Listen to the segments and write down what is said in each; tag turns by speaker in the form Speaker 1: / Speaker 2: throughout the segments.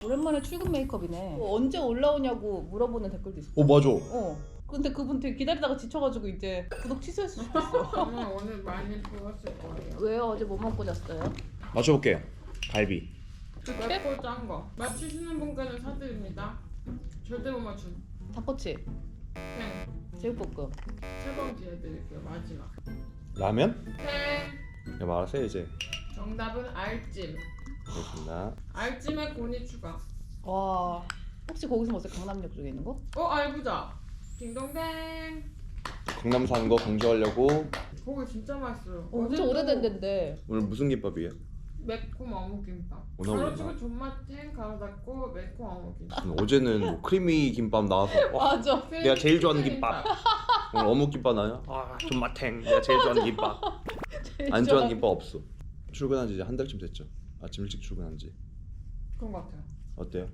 Speaker 1: 오랜만에 출근 메이크업이네. 언제 올라오냐고 물어보는 댓글도 있어.
Speaker 2: 맞아.
Speaker 1: 근데 그분 되게 기다리다가 지쳐가지고 이제 구독 취소했으면 좋겠어.
Speaker 3: 저는 오늘 많이 부었을 거예요.
Speaker 1: 왜요? 어제 뭐 먹고 잤어요?
Speaker 2: 맞춰볼게요. 갈비.
Speaker 3: 맵고 짠 거. 맞추시는 분까지 사드립니다. 절대 못 맞춤.
Speaker 1: 닭꼬치,
Speaker 3: 땡.
Speaker 1: 제육볶음.
Speaker 3: 세번 기회 드릴게요. 마지막.
Speaker 2: 라면?
Speaker 3: 땡.
Speaker 2: 야 말하세요 이제.
Speaker 3: 정답은 알찜.
Speaker 2: 알겠습니다.
Speaker 3: 알찜에 고니 추가.
Speaker 1: 와, 혹시 거기서 먹었어요? 강남역 쪽에 있는 거?
Speaker 3: 알부자. 딩동댕.
Speaker 2: 강남 사는 거 강조하려고.
Speaker 3: 거기 진짜 맛있어요.
Speaker 1: 엄청 오래된 데인데.
Speaker 2: 오늘 무슨 김밥이에요?
Speaker 3: 매콤 어묵김밥.
Speaker 2: 오늘 올렸나?
Speaker 3: 가로치고 존맛탱 갈아닦고 매콤 어묵김밥.
Speaker 2: 어제는 뭐 크리미 김밥 나와서
Speaker 1: 맞아.
Speaker 2: 내가 제일 좋아하는 김밥. 오늘 어묵 김밥 나요? 존맛탱. 내가 제일 좋아하는 김밥. 안 좋아하는 김밥 없어. 출근한 지 이제 한 달쯤 됐죠. 아침 일찍 출근한 지.
Speaker 3: 그런 것 같아요.
Speaker 2: 어때요?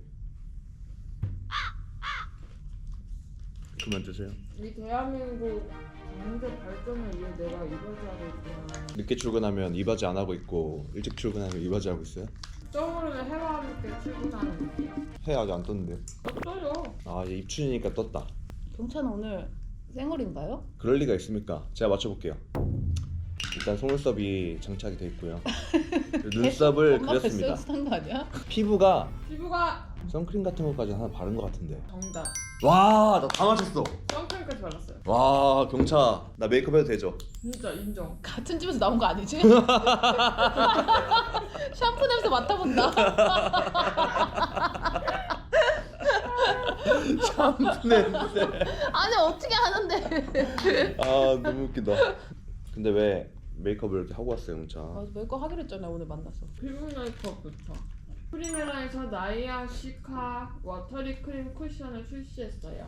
Speaker 2: 그만 드세요.
Speaker 3: 이 대한민국 경제 발전을 위해 내가 이바지하고 있구나.
Speaker 2: 늦게 출근하면 이바지 안 하고 있고 일찍 출근하면 이바지 하고 있어요?
Speaker 3: 떠오르는 해와 함께 출근하는 느낌.
Speaker 2: 해 아직 안 떴는데.
Speaker 3: 어떠요?
Speaker 2: 아 이제 입춘이니까 떴다.
Speaker 1: 경찬 오늘 생얼인가요?
Speaker 2: 그럴 리가 있습니까? 제가 맞춰볼게요. 일단 속눈썹이 장착이 돼 있고요. 눈썹을
Speaker 1: 엄마
Speaker 2: 그렸습니다.
Speaker 1: 뱃속에서 산거 아니야?
Speaker 2: 피부가
Speaker 3: 피부가
Speaker 2: 선크림 같은 것까지 하나 바른 것 같은데.
Speaker 3: 정답.
Speaker 2: 와, 나 다 맞췄어.
Speaker 3: 선크림까지 발랐어요.
Speaker 2: 와, 경차. 나 메이크업 해도 되죠?
Speaker 3: 진짜 인정.
Speaker 1: 같은 집에서 나온 거 아니지? 샴푸 냄새 맡아본다.
Speaker 2: 샴푸 냄새.
Speaker 1: 아니 어떻게 하는데?
Speaker 2: 아, 너무 웃기다. 근데 왜 메이크업을 이렇게 하고 왔어요, 경차?
Speaker 1: 맞아, 메이크업 하기로 했잖아요. 오늘 만나서.
Speaker 3: 피부 메이크업부터. 프리메라에서 나이아 시카 워터리 크림 쿠션을 출시했어요.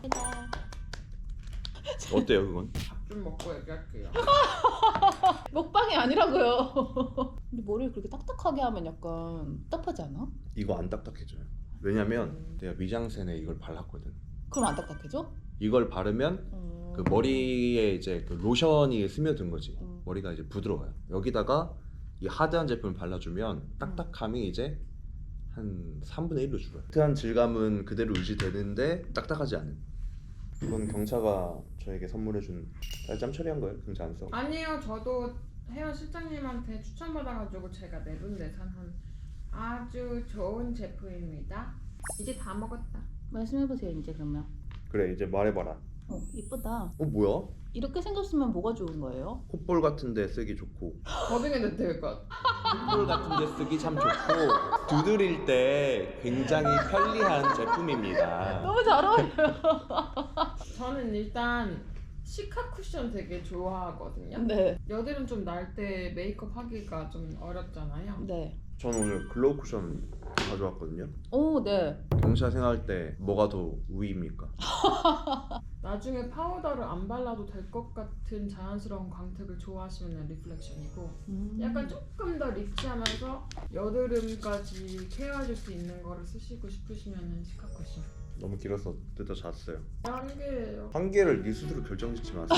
Speaker 2: 어때요, 그건?
Speaker 3: 밥 좀 먹고 얘기할게요.
Speaker 1: 먹방이 아니라고요. 근데 머리를 그렇게 딱딱하게 하면 약간 답답하지 않아?
Speaker 2: 이거 안 딱딱해져요. 왜냐면 내가 미장센에 이걸 발랐거든.
Speaker 1: 그럼 안 딱딱해져?
Speaker 2: 이걸 바르면 그 머리에 이제 그 로션이 스며든 거지. 머리가 이제 부드러워요. 여기다가 이 하드한 제품을 발라주면 딱딱함이 이제 한 3분의 1로 줄어요. 하드한 질감은 그대로 유지되는데 딱딱하지 않은. 이건 경차가 저에게 선물해준 짬 처리한 거예요? 경차 안 써?
Speaker 3: 아니요, 저도 헤어 실장님한테 추천받아가지고 제가 내돈내산한 아주 좋은 제품입니다. 이제 다 먹었다.
Speaker 1: 말씀해보세요 이제 그러면.
Speaker 2: 그래 이제 말해봐라.
Speaker 1: 이쁘다.
Speaker 2: 뭐야?
Speaker 1: 이렇게 생겼으면 뭐가 좋은 거예요?
Speaker 2: 콧볼 같은 데 쓰기 좋고
Speaker 3: 더빙해도 될 것.
Speaker 2: 콧볼 같은 데 쓰기 참 좋고 두드릴 때 굉장히 편리한 제품입니다.
Speaker 1: 너무 잘 어울려.
Speaker 3: 저는 일단 시카 쿠션 되게 좋아하거든요.
Speaker 1: 네.
Speaker 3: 여드름 좀 날 때 메이크업 하기가 좀 어렵잖아요.
Speaker 1: 네.
Speaker 2: 저는 오늘 글로우 쿠션 가져왔거든요.
Speaker 1: 오, 네.
Speaker 2: 경차 생활 때 뭐가 더 우위입니까?
Speaker 3: 나중에 파우더를 안 발라도 될 것 같은 자연스러운 광택을 좋아하시면 리플렉션이고 약간 조금 더 리치하면서 여드름까지 케어해줄 수 있는 거를 쓰시고 싶으시면 시카 쿠션.
Speaker 2: 너무 길어서 뜯어 잤어요.
Speaker 3: 한 개예요.
Speaker 2: 한 개를 네 스스로 결정짓지 마세요.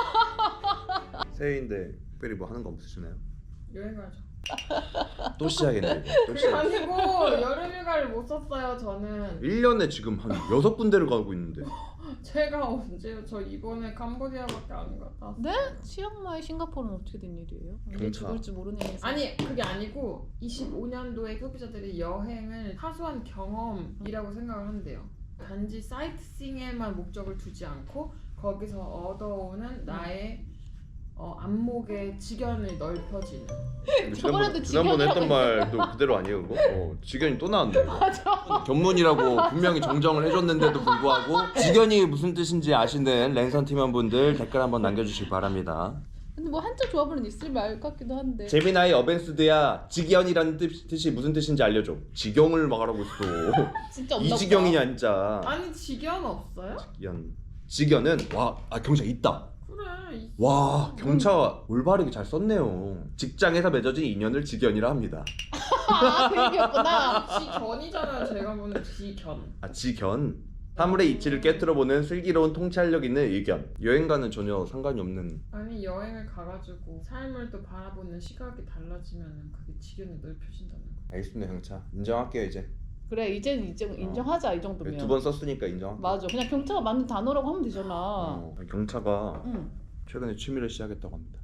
Speaker 2: 새해인데 특별히 뭐 하는 거 없으시나요?
Speaker 3: 여행 가죠.
Speaker 2: 또 시작했네. 또
Speaker 3: 그게
Speaker 2: 시작.
Speaker 3: 아니고 여름휴가를 못 썼어요. 저는
Speaker 2: 1년에 지금 한 6군데를 가고 있는데.
Speaker 3: 제가 언제요? 저 이번에 캄보디아밖에 안 갔다 왔어요.
Speaker 1: 네? 치앙마이 싱가포르는 어떻게 된 일이에요? 언제
Speaker 2: 경차.
Speaker 1: 죽을지 모르는 일이서.
Speaker 3: 아니 그게 아니고 25년도에 소비자들이 여행을 사소한 경험이라고 생각을 한대요. 단지 사이트싱에만 목적을 두지 않고 거기서 얻어오는 나의 안목의 지견을 넓혀지는.
Speaker 1: 저번에도
Speaker 2: 지난번에 했던
Speaker 1: 직연이라고
Speaker 2: 말도 그대로 아니에요 그거? 직연이 또 나왔네. 맞아. 견문이라고 분명히 정정을 해줬는데도 불구하고 직연이 무슨 뜻인지 아시는 랜선 팀원분들 댓글 한번 남겨주시기 바랍니다.
Speaker 1: 근데 뭐 한자 조합은 있을 말 같기도 한데.
Speaker 2: 제미나이 어벤스드야 직연이라는 뜻이 무슨 뜻인지 알려줘. 직영을 말하고 있어.
Speaker 1: 진짜 없나
Speaker 2: 이지경이냐 진짜.
Speaker 3: 아니 지견 없어요?
Speaker 2: 직연은 경차 있다.
Speaker 3: 그래.
Speaker 2: 와 경차가 올바르게 잘 썼네요. 직장에서 맺어진 인연을 직연이라 합니다.
Speaker 1: 그 얘기였구나.
Speaker 3: 지견이잖아요. 제가 보는 지견.
Speaker 2: 직연. 사물의 이치를 깨트려보는 슬기로운 통찰력 있는 의견. 여행과는 전혀 상관이 없는.
Speaker 3: 아니 여행을 가가지고 삶을 또 바라보는 시각이 달라지면 그게 지견이 넓혀진다는 거.
Speaker 2: 알겠습니다 경차. 인정할게요 이제.
Speaker 1: 그래 이제 인정하자 이 정도면.
Speaker 2: 2번 썼으니까 인정.
Speaker 1: 맞아. 그냥 경차가 맞는 단어라고 하면 되잖아.
Speaker 2: 경차가
Speaker 1: 응.
Speaker 2: 최근에 취미를 시작했다고 합니다.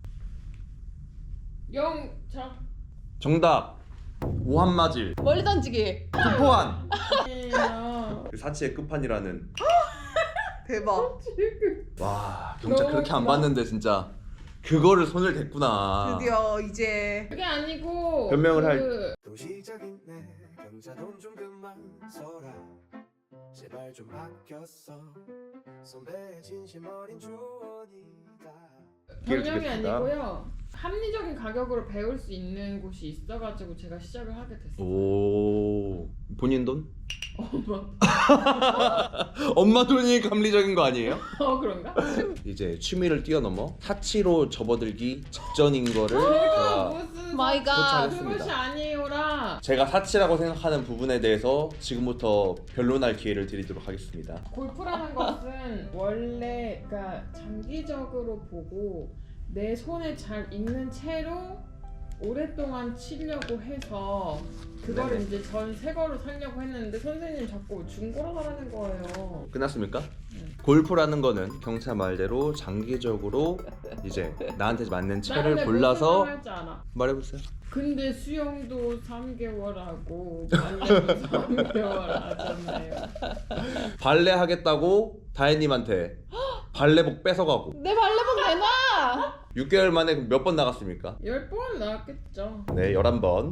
Speaker 3: 영차.
Speaker 2: 정답. 오한마질.
Speaker 1: 멀리 던지기.
Speaker 2: 투포한.
Speaker 3: 야.
Speaker 2: 그 사치의 끝판이라는.
Speaker 1: 대박.
Speaker 2: 와 경차
Speaker 3: 너무
Speaker 2: 그렇게 안
Speaker 3: 웃기다.
Speaker 2: 봤는데 진짜 그거를 손을 댔구나.
Speaker 1: 드디어 이제.
Speaker 3: 그게 아니고
Speaker 2: 변명을
Speaker 3: 그
Speaker 4: 도시적인 내 경차 돈 좀 그만 써라 제발 좀 아꼈어 선배의 진심 어린 조언이다
Speaker 2: 기회를
Speaker 3: 변명이
Speaker 2: 주겠습니다.
Speaker 3: 아니고요. 합리적인 가격으로 배울 수 있는 곳이 있어가지고 제가 시작을 하게 됐어요.
Speaker 2: 오 본인 돈?
Speaker 3: 어머.
Speaker 2: 엄마 돈이 합리적인 거 아니에요?
Speaker 3: 그런가?
Speaker 2: 이제 취미를 뛰어넘어 사치로 접어들기 직전인 거를
Speaker 3: 그거
Speaker 2: 제가
Speaker 3: 무슨
Speaker 1: 마이 갓.
Speaker 2: 도착했습니다.
Speaker 3: 그것이 아니오라.
Speaker 2: 제가 사치라고 생각하는 부분에 대해서 지금부터 변론할 기회를 드리도록 하겠습니다.
Speaker 3: 골프라는 것은 원래 그러니까 장기적으로 보고 내 손에 잘 익는 채로 오랫동안 치려고 해서 그거를
Speaker 2: 네네.
Speaker 3: 이제 전 새 거로 살려고 했는데 선생님 자꾸 중고로 사라는 거예요.
Speaker 2: 끝났습니까?
Speaker 3: 응.
Speaker 2: 골프라는 거는 경차 말대로 장기적으로 이제 나한테 맞는 채를
Speaker 3: 나는
Speaker 2: 골라서
Speaker 3: 무슨 할줄 알아.
Speaker 2: 말해보세요.
Speaker 3: 근데 수영도 3개월 하고 발레도 3개월 하잖아요.
Speaker 2: 발레 하겠다고 다혜님한테 발레복 뺏어가고
Speaker 1: 내 발레복 내놔.
Speaker 2: 6개월 만에 몇 번 나갔습니까?
Speaker 3: 10번 나왔겠죠.
Speaker 2: 네 11번.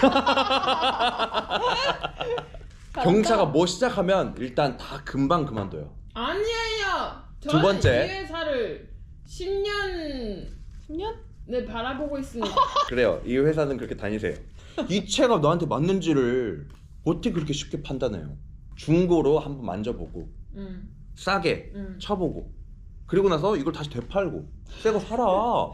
Speaker 2: 경차가 뭐 시작하면 일단 다 금방 그만둬요.
Speaker 3: 아니에요.
Speaker 2: 두 번째.
Speaker 3: 이 회사를 10년
Speaker 1: 10년?
Speaker 3: 네 바라보고 있습니다.
Speaker 2: 그래요. 이 회사는 그렇게 다니세요. 이 채가 너한테 맞는지를 어떻게 그렇게 쉽게 판단해요? 중고로 한번 만져보고 싸게 쳐보고 그리고 나서 이걸 다시 되팔고 새 거 사라.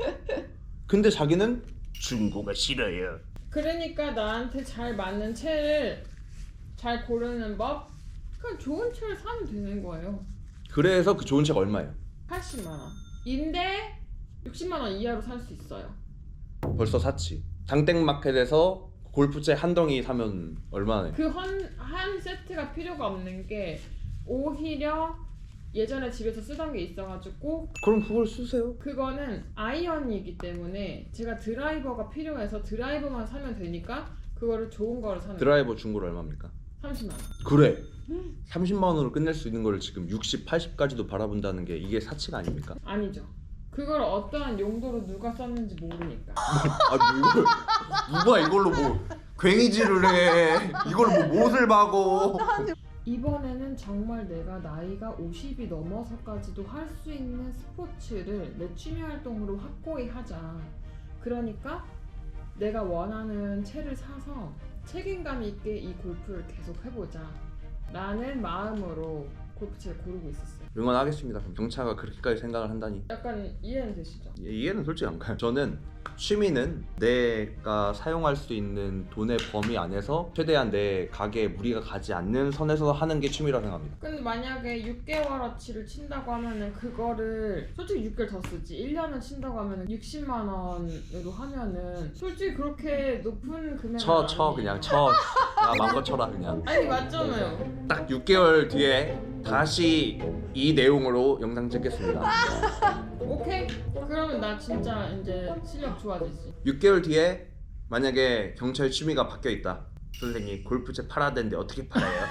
Speaker 2: 근데 자기는 중고가 싫어요.
Speaker 3: 그러니까 나한테 잘 맞는 채를 잘 고르는 법. 그냥 좋은 채를 사면 되는 거예요.
Speaker 2: 그래서 그 좋은 채가 얼마예요?
Speaker 3: 80만 원. 인데 60만 원 이하로 살 수 있어요.
Speaker 2: 벌써 샀지. 장땡마켓에서 골프채 한 덩이 사면 얼마나?
Speaker 3: 그 한 세트가 필요가 없는 게 오히려 예전에 집에서 쓰던 게 있어가지고
Speaker 2: 그럼 그걸 쓰세요.
Speaker 3: 그거는 아이언이기 때문에 제가 드라이버가 필요해서 드라이버만 사면 되니까 그거를 좋은 거를 사는 거예요.
Speaker 2: 드라이버 중고로 얼마입니까?
Speaker 3: 30만 원.
Speaker 2: 그래. 30만 원으로 끝낼 수 있는 거를 지금 60, 80까지도 바라본다는 게 이게 사치가 아닙니까?
Speaker 3: 아니죠. 그걸 어떠한 용도로 누가 썼는지 모르니까.
Speaker 2: 아, 뭐 누가 이걸로 뭐 괭이질을 해? 이걸로 뭐 못을 박어?
Speaker 3: 이번에는 정말 내가 나이가 50이 넘어서까지도 할 수 있는 스포츠를 내 취미 활동으로 확고히 하자. 그러니까 내가 원하는 채를 사서 책임감 있게 이 골프를 계속 해보자 라는 마음으로 골프채를 고르고 있었어요.
Speaker 2: 응원하겠습니다. 그럼 경차가 그렇게까지 생각을 한다니
Speaker 3: 약간 이해는 되시죠?
Speaker 2: 이해는 솔직히 안 가요. 저는 취미는 내가 사용할 수 있는 돈의 범위 안에서 최대한 내 가게에 무리가 가지 않는 선에서 하는 게 취미라고 생각합니다.
Speaker 3: 근데 만약에 6개월어치를 친다고 하면은 그거를 솔직히 6개월 더 쓰지 1년을 친다고 하면은 60만 원으로 하면은 솔직히 그렇게 높은 금액은
Speaker 2: 쳐 그냥 쳐. 야 마음껏 쳐라 그냥.
Speaker 3: 아니 맞잖아요.
Speaker 2: 딱 6개월 뒤에 다시 이 내용으로 영상 찍겠습니다.
Speaker 3: 오케이? 그러면 나 진짜 이제 실력 좋아지지.
Speaker 2: 6개월 뒤에 만약에 경찰 취미가 바뀌어 있다. 선생님 골프채 팔아야 되는데 어떻게 팔아요?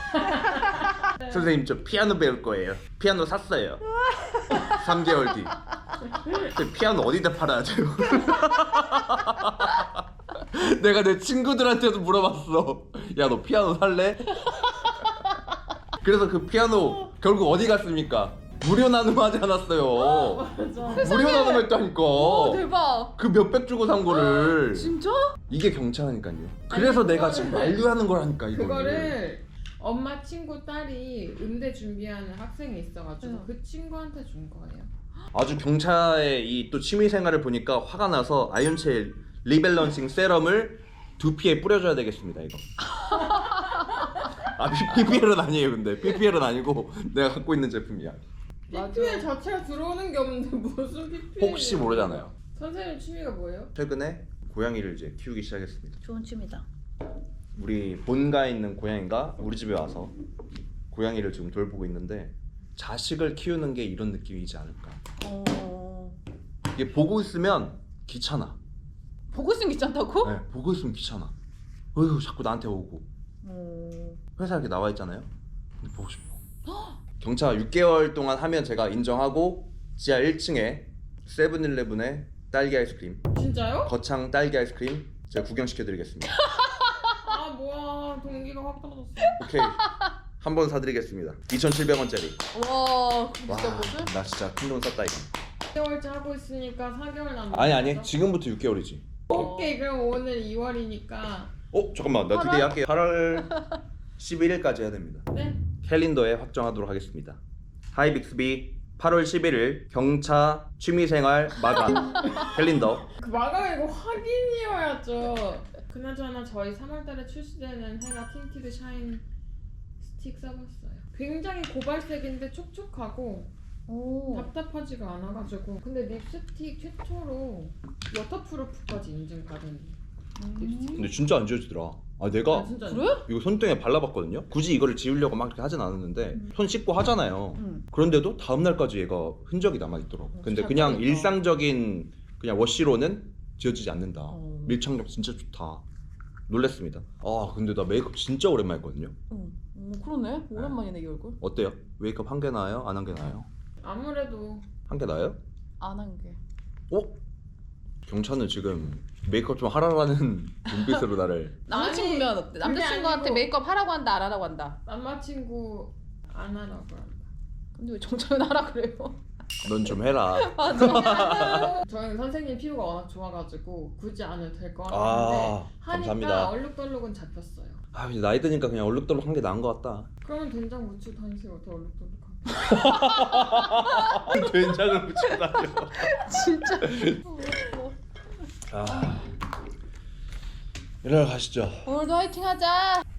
Speaker 2: 선생님 저 피아노 배울 거예요. 피아노 샀어요. 3개월 뒤. 근데 피아노 어디다 팔아야 돼요? 내가 내 친구들한테도 물어봤어. 야 너 피아노 살래? 그래서 그 피아노 결국 어디 갔습니까? 무료 나눔하지 않았어요.
Speaker 3: 맞아.
Speaker 2: 무료 나눔했다니까.
Speaker 1: 오 대박.
Speaker 2: 그 몇백 주고 산 거를.
Speaker 1: 진짜?
Speaker 2: 이게 경차라니까요. 그래서 내가 지금 만류하는 거라니까 이거를.
Speaker 3: 그거를 엄마 친구 딸이 음대 준비하는 학생이 있어가지고
Speaker 1: 응.
Speaker 3: 그 친구한테 준 거예요.
Speaker 2: 아주 경차의 이 또 취미 생활을 보니까 화가 나서 아이언체 리밸런싱 세럼을 두피에 뿌려줘야 되겠습니다 이거. 아 PPL은 아니에요 근데 PPL은 아니고 내가 갖고 있는 제품이야.
Speaker 3: PPL 자체가 들어오는 게 없는데 무슨 PPL?
Speaker 2: 혹시 모르잖아요.
Speaker 3: 선생님 취미가 뭐예요?
Speaker 2: 최근에 고양이를 이제 키우기 시작했습니다.
Speaker 1: 좋은 취미다.
Speaker 2: 우리 본가에 있는 고양이가 우리 집에 와서 고양이를 지금 돌보고 있는데 자식을 키우는 게 이런 느낌이지 않을까. 이게 보고 있으면 귀찮아.
Speaker 1: 보고 있으면 귀찮다고?
Speaker 2: 네, 보고 있으면 귀찮아. 어휴 자꾸 나한테 오고. 회사 이렇게 나와 있잖아요. 근데 보고 싶어. 경차 6개월 동안 하면 제가 인정하고 지하 1층에 세븐일레븐에 딸기 아이스크림,
Speaker 3: 진짜요?
Speaker 2: 거창 딸기 아이스크림 제가 구경시켜드리겠습니다.
Speaker 3: 아 뭐야 동기가 확 떨어졌어.
Speaker 2: 오케이. 한 번 사드리겠습니다. 2,700원짜리.
Speaker 1: 와 진짜 뭐지?
Speaker 2: 나 진짜 큰 돈 썼다 이거.
Speaker 3: 6개월째 하고 있으니까 4개월 남았어.
Speaker 2: 아니 지금부터 6개월이지.
Speaker 3: 오케이 그럼 오늘 2월이니까
Speaker 2: 잠깐만 나 디데이 할게. 8월 11일까지 해야 됩니다.
Speaker 3: 네.
Speaker 2: 캘린더에 확정하도록 하겠습니다. 하이 빅스비 8월 11일 경차 취미생활 마감 캘린더.
Speaker 3: 그 마감이고 확인이어야죠. 그나저나 저희 3월달에 출시되는 헤라 틴티드 샤인 스틱 써봤어요. 굉장히 고발색인데 촉촉하고 답답하지가 않아가지고. 근데 립스틱 최초로 워터프루프까지 인증받은 립스틱.
Speaker 2: 근데 진짜 안 지워지더라. 내가
Speaker 3: 진짜
Speaker 1: 그래?
Speaker 2: 이거 손등에 발라봤거든요. 굳이 이거를 지우려고 막 그렇게 하진 않았는데 손 씻고 하잖아요. 그런데도 다음 날까지 얘가 흔적이 남아 있더라고. 근데
Speaker 1: 잘
Speaker 2: 그냥
Speaker 1: 모르겠다.
Speaker 2: 일상적인 그냥 워시로는 지워지지 않는다. 밀착력 진짜 좋다. 놀랬습니다. 근데 나 메이크업 진짜 오랜만에 했거든요.
Speaker 1: 그러네. 오랜만이네 이 얼굴.
Speaker 2: 어때요? 메이크업 한 개 나아요? 안 한 개 나아요?
Speaker 3: 아무래도
Speaker 2: 한 개 나아요?
Speaker 1: 안 한 게.
Speaker 2: 경차는 지금 메이크업 좀 하라라는 눈빛으로 나를.
Speaker 1: 남자친구면 어때?
Speaker 3: 그게
Speaker 1: 남자친구한테
Speaker 3: 아니고-
Speaker 1: 메이크업 하라고 한다 안 하라고 한다.
Speaker 3: 남자친구 안 하라고 한다.
Speaker 1: 근데 왜 정철은 하라 그래요?
Speaker 2: 넌 좀 해라.
Speaker 3: 저희는 선생님 피부가 워낙 좋아가지고 굳이 안 해도 될 것 같은데 하니까
Speaker 2: 감사합니다.
Speaker 3: 얼룩덜룩은 잡혔어요.
Speaker 2: 이제 나이 드니까 그냥 얼룩덜룩 한 게 나은 것 같다.
Speaker 3: 그러면 된장 무치 다니세요. 더 얼룩덜룩하게.
Speaker 2: 된장을 묻히고 다녀.
Speaker 1: 진짜.
Speaker 2: 일어나 가시죠.
Speaker 1: 오늘도 화이팅 하자.